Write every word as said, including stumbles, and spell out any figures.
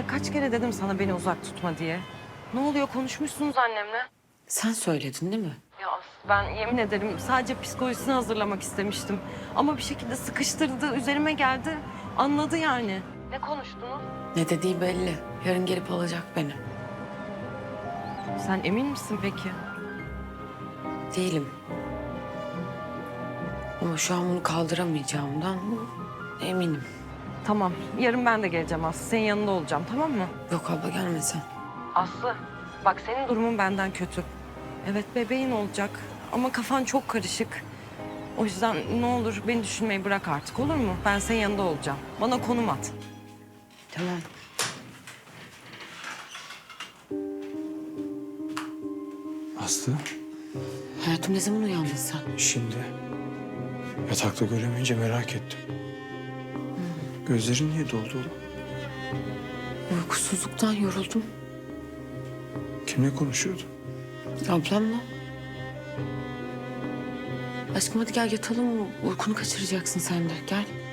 Ya kaç kere dedim sana beni uzak tutma diye. Ne oluyor, konuşmuşsunuz annemle? Sen söyledin değil mi? Ya Aslı, ben yemin ederim sadece psikolojisini hazırlamak istemiştim. Ama bir şekilde sıkıştırdı, üzerime geldi. Anladı yani. Ne konuştunuz? Ne dediği belli. Yarın gelip alacak beni. Sen emin misin peki? Değilim. Ama şu an bunu kaldıramayacağımdan eminim. Tamam, yarın ben de geleceğim Aslı. Senin yanında olacağım, tamam mı? Yok abla gelme sen. Aslı, bak senin durumun benden kötü. Evet, bebeğin olacak ama kafan çok karışık. O yüzden ne olur beni düşünmeyi bırak artık, olur mu? Ben senin yanında olacağım. Bana konum at. Tamam. Aslı, Hayatım ne zaman uyandın sen? şimdi yatakta göremeyince merak ettim. Gözlerin niye doldu oğlum? Uykusuzluktan yoruldum. Kimle konuşuyordun? Ablamla. Aşkım hadi gel yatalım. Uykunu kaçıracaksın sen de. Gel.